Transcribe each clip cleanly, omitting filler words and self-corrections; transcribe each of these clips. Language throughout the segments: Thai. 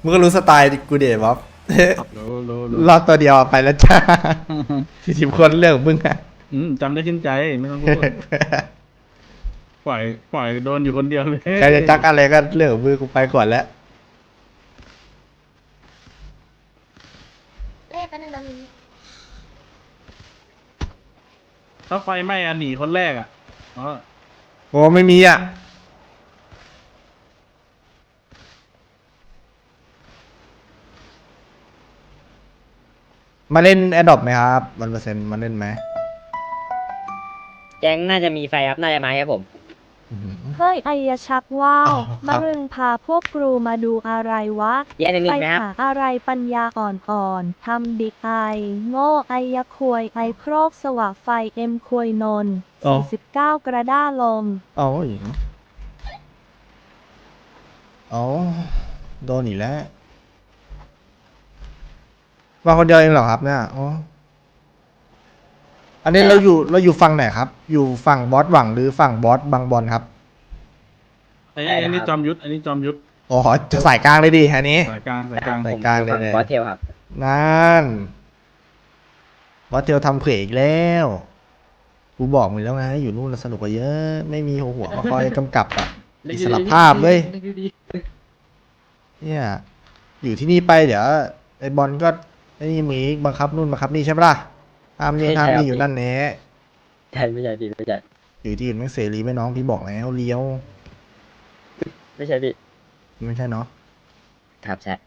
มึงก็รู้สไตล์กูเดบ๊อบรู้รอบตัวเดียวไปแล้วจ้า 40 คนเรื่องของมึงอะจำได้ขึ้นใจไม่ต้องพูด ปล่อยโดนอยู่คนเดียวเลยใครจะจักอะไรก็เรื่องของมึงกูไปก่อนแล้วเอ๊ะแป๊บนึงนะมีถ้าไฟไหม้หนีคนแรกอ๋อโอ้ไม่มีอ่ะ มาเล่นแอดดอปไหมครับ1%มาเล่นไหมแก๊งน่าจะมีไฟครับน่าจะมาครับผมเฮ้ยไอยชักว้าวอ๋อครับมะรึงพาพวกครูมาดูอะไรวะแย่หนึ่งไปไหมครับหาอะไรปัญญาอ่อนๆ ทำดิไอ โง่ไอยะควยไอโครกสว่างไฟเอ็มควยนนอ๋อ 49 กระด้าลมเอาหญิงเอาโดนอีกแล้วมาคนเดียวเองเหรอครับเนี่ยอ๋ออันนี้เราอยู่ฝั่งไหนครับ อยู่ฝั่งบอสหวังหรือฝั่งบอสบางบอลครับอันนี้จอมยุทธอันนี้จอมยุทธอ๋อจะสายกลางเลยดิอันนี้สายกลางสายกลางสายกลางเลยผมเนี่ยบอสเทลครับนั่นบอสเทลทำเขวอีกแล้วกูบอกมึงแล้วไงอยู่นู่นแล้วสนุกกว่าเยอะ ไม่มีหัวมาคอยกำกับอะอิสระภาพเว้ยเนี่ยอยู่ที่นี่ไปเดี๋ยวไอ้บอลก็ไอ้นี่มีบังคับนู่นบังคับนี่ใช่ปะล่ะห้ามนี่ห้ามนี่อยู่นั่นแน่ใช่ไม่ใช่พี่ไม่ใช่อยู่ที่อื่นไม่เสรีไม่น้องพี่บอกแล้วเลี้ยวไม่ใช่พี่ไม่ใช่เนาะครับใช่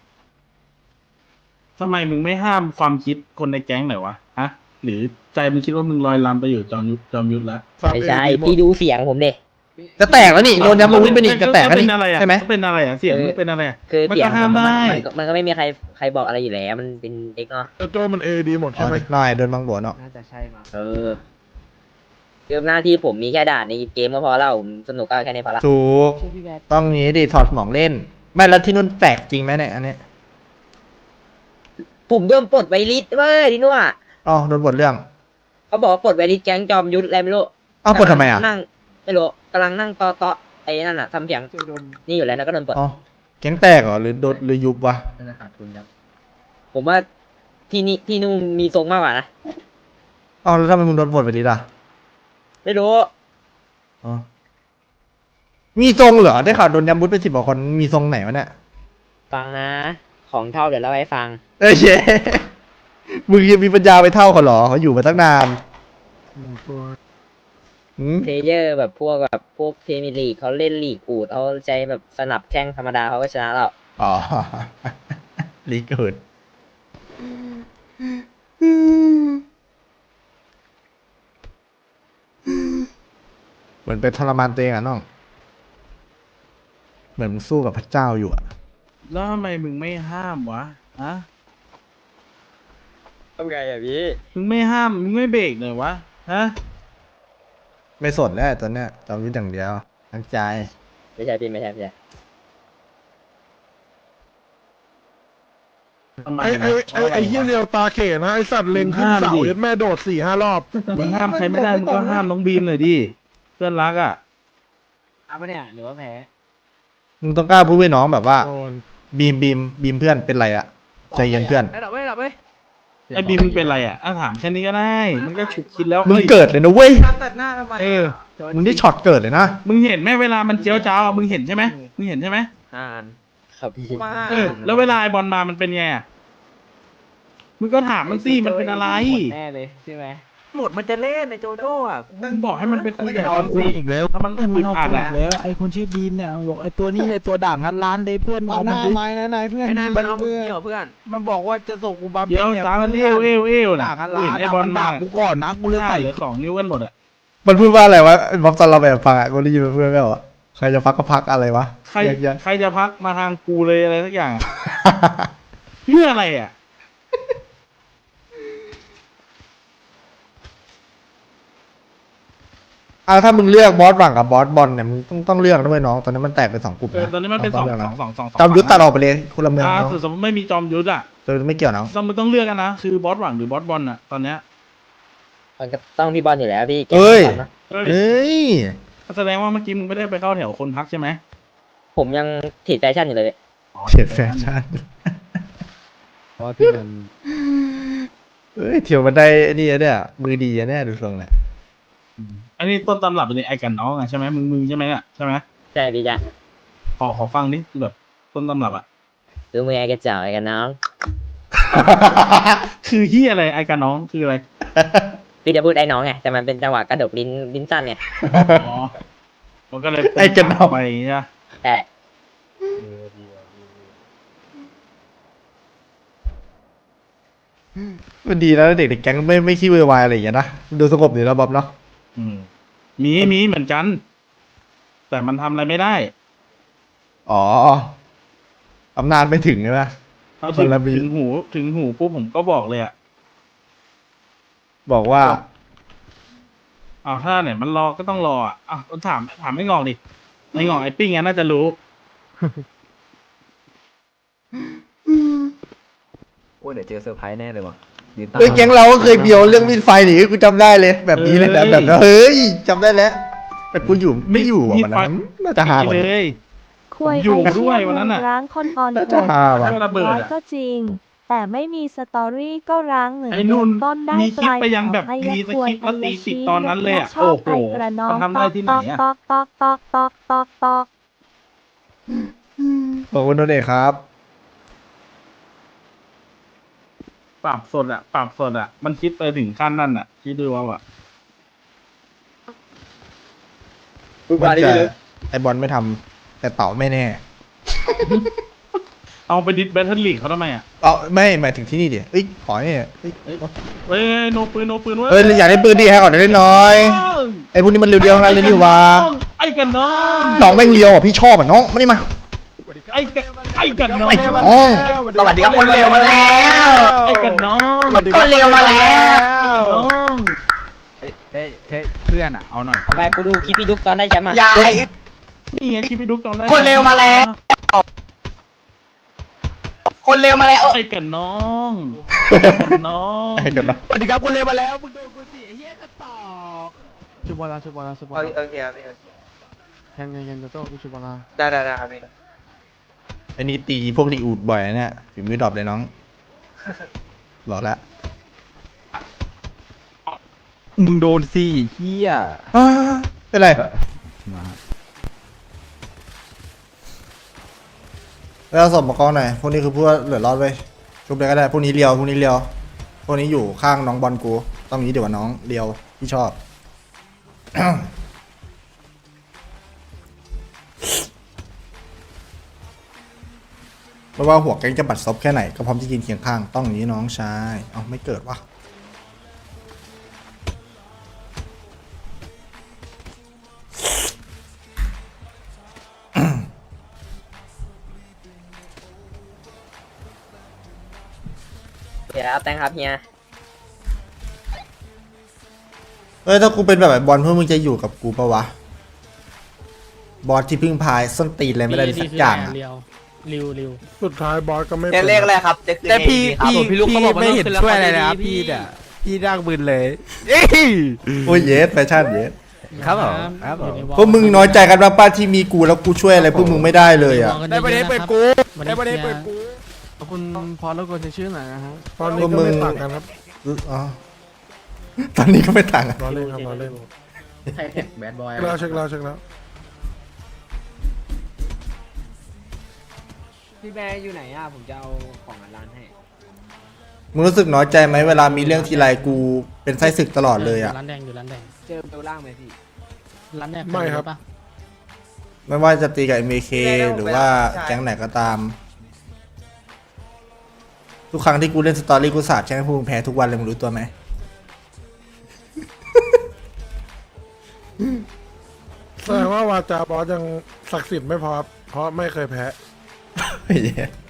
ทำไมมึงไม่ห้ามความคิดคนในแก๊งหน่อยวะฮะหรือใจมึงคิดว่ามึงลอยลำไปอยู่จอมยุทธแล้วไม่ใช่พี่ดูเสียงผมดิจะแตกแล้วนี่โดนยำมูนไปนี่จะแตกแล้วเป็นี่นอะไรอ่ะใช่ไหมเป็นอะไรอ่ะเสียงมันเป็นอะไรอ่ะคือมันเสียก็งห้ามได้มันก็ไม่มีใครบอกอะไรอยู่แล้วมันเป็นเด็กเนาะแต่โจมันเอดีหมดอ๋ใช่อไหมหน่อยโดนบางบัวเนาะเออคือหน้าที่ผมมีแค่ด่านในเกมก็พอแล้วผมสนุกก็แค่นี้พอละถูกต้องนี้ดิถอดสมองเล่น ไม่แล้วที่นู่นแตกจริงไหมเนี่ยอันเนี้ยผมโดนปลดไวริสเว้ยที่นู่นอะอ๋อโดนบทเรื่องเขาบอกว่าปลดไวริสแก๊งจอมยุทธอะไรไม่รู้อ้าวปลดทำไมอ่ะนั่งไม่รู้กำลังนั่งต่อไอ้นั่นอ่ะทำเสียงนี่อยู่แล้วแล้วก็โดนปลดอ๋อแก๊งแตกเหรอหรือโดนหรือยุบวะผมว่าที่นู่นมีทรงมากกว่านะอ๋อแล้วทำไมมึงโดนบทไปดิล่ะไม่รู้อ๋อมีทรงเหรอได้ข่าวโดนยำบุญไป10 กว่าคนมีทรงไหนวะเนี่ยฟังนะ ของเท่าเดี๋ยวเล่าให้ฟังเอ้ยเย้มึงยังมีปัญญาไปเท่าเขาเหรอเขาอยู่มาตั้งนานหืมเพลเยอร์แบบพวกพรีเมียร์ลีกเขาเล่นลีกอูดเขาใจแบบสนับแข้งธรรมดาเขาก็ชนะเราอ๋อ ลีกอื่นเหมือนเป็นทรมานตัวเองอะน้อง เหมือนมึงสู้กับพระเจ้าอยู่อะแล้วทำไมมึงไม่ห้ามวะฮะทำไงอ่ะพี่มึงไม่ห้ามมึงไม่เบรกหน่อยวะฮะไม่สนแล้วตอนเนี้ยจอมยุทธอย่างเดียวทั้งใจไม่ใช่พี่ไม่ใช่ทำไมไอ้เฮียเรียวตาเขนะไอสัตว์เล็งขึ้นเสายัดแม่โดด4-5 รอบมึงห้ามใครไม่ได้มึงก็ห้ามน้องบีมหน่อยดิเพื่อนรักอ่ะเอาปะเนี่ยหรือว่าแพ้มึงต้องกล้าพูดให้น้องแบบว่าโดนบีมเพื่อนเป็นไรอะใจเย็นเพื่อนไอ้บีมมึงเป็นไรอ่ะถามแค่นี้ก็ได้ มันก็ฉุกคิดแล้วมึงเฮ้ยเกิดเลยนะเว้ยเออมึงได้ช็อตเกิดเลยนะมึงเห็นไหมเวลามันเจียวจ้าวอะมึงเห็นใช่ไหมมึงเห็นใช่ไหมครับพี่เออแล้วเวลาไอ้บอลมามันเป็นไงอะมึงก็ถามมันสิมันเป็นอะไรแน่เลยใช่ไหมหมดมันจะเล่นในโจโจ้อะมึงบอกให้มันไปคุยกับบอลคุสิยอีกแล้วถ้ามันอึดอัดอะแล้วไอ้คนชื่อบีมเนี่ยบอกไอ้ตัวนี้ไอ้ตัวด่างงันร้านเลยเพื่อนเอามันดินายเพื่อนไอ้นายมันเอาเกี่ยวเพื่อน มันบอกว่าจะส่งกูบาเดี๋ยวสามมันเอวน่ะด่างงันกูร้านเห็นไอ้บอลมากูก่อนนะกูเลยหน้าใส่เหลือ2 นิ้วกันหมดอะมันพูดว่าอะไรวะบ๊อบตอนเราแบบฟังอะกูได้ยินเพื่อนไม่บอกใครจะพักก็พักอะไรวะใครแยกใครจะพักมาทางกูเลยอะไรสักอย่างอะเพื่ออะไรอ่ะถ้ามึงเลือกบอสหวังกับบอสบอลเนี่ยมึงต้องเลือกด้วยน้องตอนนี้มันแตกเป็น2 กลุ่มเออตอนนี้มันเป็นต้องลือกะสองจอมยุทธตัดออกไปเลยคนละเมืองน้องสมมติไม่มีจอมยุทธอ่ะตัวไม่เกี่ยวน้องมึงต้องเลือกกันนะคือบอสหวังหรือบอสบอลอ่ะตอนเนี้ยมันก็ต้องพี่บอลอยู่แล้วพี่เอ้ยบอลนะเฮ้ยแสดงว่าเมื่อกี้มึงไม่ได้ไปเข้าแถวคนพักใช่ไหมผมยังถีดแฟชั่นอยู่เลยเฉียดแฟชั่นเพราะว่าพี่มันเฮ้ยเถียวมันได้ไอ้นี่อะเนี่ยมือดีอะเนี่ยดูทรงแหละอันนี้ต้นตำรับเป็นไอ้กันน้องอะใช่ไหมมึงใช่ไหมอะใช่ไหมใช่พี่จ๊ะขอฟังนิดแบบต้นตำรับอะคือมือไอ้กระเจ้าไอ้กันน้องคือเฮียอะไรไอ้กันน้องคืออะไรพี่จะพูดไอ้น้องไงแต่มันเป็นจังหวะกระดกลิ้นสั้นไงอ๋อมันก็เลยไอ้กันน้องไปใช่ปะแต่มันดีแล้วเด็กในแก๊งไม่ขี้เวอร์วายอะไรอย่างเงี้ยนะดูสงบดีแล้วบ๊อบเนาะอืมมีเหมือนกัน แต่มันทำอะไรไม่ได้อ๋ออำนาจไม่ถึงใช่ไหมเอาถึงบารมีถึงหูปุ๊บผมก็บอกเลยอะบอกว่าอ้าวถ้าเนี่ยมันรอก็ต้องรออ่ะอ้าวถามไม่งอกดิไม่งอกไอ้ปิ้งอ่ะน่าจะรู้โอ้ยเดี๋ยวเจอเซอร์ไพรส์แน่เลยว่ะยืนตาเฮ้ยแก๊งเราก็เคยเบียวเรื่องมีดไฟหนีกูจำได้เลย แบบนี้เลยนะแบบนั้นเฮ้ยจำได้แล้วแต่กูอยู่ไม่อยู่อ่ะวันนั้นน่าจะหาไปกว่าเลนี้ยคุยอยู่ไอ้ด้วยเหี้วันนั้นน่ะร้างคนอ่อนน่าจะหาว่ะให้ระเบิดร้อยอ่ะก็จริง แต่ไม่มีสตอรี่ก็ร้างเหมือนไอ้นุ่นต้นได้มีคลิปปลายไปยังแบบไอ้มีสคริปต์แล้วตีไอ้สิบตอนนั้นเลยอะชอบโอ้โหไอ้กระน้องมันทำได้ที่ไหนอะตอกตอกตอกตอกตอกตอกขอบคุณนนท์เอกครับปรับสดอ่ะมันคิดไปถึงขั้นนั่นอ่ะคิดดูว่าอ่ะมันจะไอบอลไม่ทำแต่เต่าไม่แน่เอาไปดิสแบทเทิลลีกเขาทำไมอ่ะเอาไม่หมายถึงที่นี่ดิเอ้ยขอเนี่ยเอ้ยเฮ้ยโนปืนเว้ยเอ้ยอยากได้ปืนดิให้ก่อนได้น้อยไอ้พวกนี้มันเรียวๆทั้งนั้นเลยนี่หว่าไอ้กันน้องน้องแม่งเรียวอ่ะพี่ชอบอ่ะน้องไม่ได้มาไอ้กันน้องไอ้น้องสวัสดีครับคนเร็วมาแล้วไอ้กันน้องคนเร็วมาแล้วน้องเฮ้ยเพื่อนอ่ะเอาหน่อยไปกูดูคลิปพี่ดุ๊กตอนได้แชมป์อ่ะยายนี่ไงคิดไปดูตอนแรกคนเร็วมาแล้ว คนเร็วมาแล้วไอ้กันน้องไอ้กันน้องไอ้กันน้องสวัสดีครับคนเร็วมาแล้วมึงโดนกูสิไอ้เหี้ยกระตอกชุบบอลชุบบอลชุบบอลโอเคครับแทงยังจะโต้กูชุบบอลได้ครับพี่ไอ้นี่ตีพวกรีอูดบ่อยนะเนี่ยฝีมือดรอปเลยน้องหลอกแล้วมึงโดนสิเหี้ยเป็นไรมาแล้วสมประกอบหน่อยพวกนี้คือพวกเหลือรอดไปชุบเลยก็ได้พวกนี้เลียวพวกนี้เลียวพวกนี้อยู่ข้างน้องบอลกูต้องนี้เดี๋ยวว่าน้องเลียวที่ชอบ ไม่ว่าหัวแก๊งจะบัดซบแค่ไหนก็พร้อมที่กินเคียงข้างต้องอย่างนี้น้องชายเอาไม่เกิดวะเดี๋ยวครับแตงครับเฮียเอ้ยถ้ากูเป็นแบบไอ้บอลเพื่อมึงจะอยู่กับกูปะวะบอสที่พึ่งพายส้นตีนอะไรไม่ได้สักอย่างอะสุดท้ายบอสก็ไม่เนี่ยเลขอะไรครับจะขึ้นแต่พี่ครับพี่ไม่เห็นช่วยอะไรเลยครับพี่อ่ะพี่ร่างบืนเลยเอ้ยโอ้ยเยสแฟชั่นเยสครับผมครับผมพวกมึงน้อยใจกันบ้างป้าที่มีกูแล้วกูช่วยอะไรพวกมึงไม่ได้เลยอ่ะได้ประเด็นเปิดกูได้ประเด็นเปิดกูขอบคุณพอแล้วก็จะชื่อหน่อยนะฮะตอนนี้ก็ไม่ต่างกันครับอ๋อตอนนี้ก็ไม่ต่างกันรอเล่นครับรอเล่นใช่แบดบอยเราเช็คแล้วพี่แบร์อยู่ไหนอ่ะ ผมจะเอาของร้านให้มึงรู้สึกน้อยใจไหมเวลามีเรื่องทีไรกูเป็นไส้ศึกตลอดเลยอ่ะร้านแดงอยู่ร้านแดงเจอเบลล่างไหมพี่ร้านแดงไม่ครับปะไม่ว่าจะตีกับ MK หรือว่าแก๊งไหนก็ตาม ทุกครั้งที่กูเล่นสตอรี่กูสาบแช่งให้พวกมึงแพ้ทุกวันเลยมึงรู้ตัวไหมแสดงว่าวาจาบอสยังศักดิ์สิทธิ์ไม่พอครับเพราะไม่เคยแพ้ไอ้เหี้ย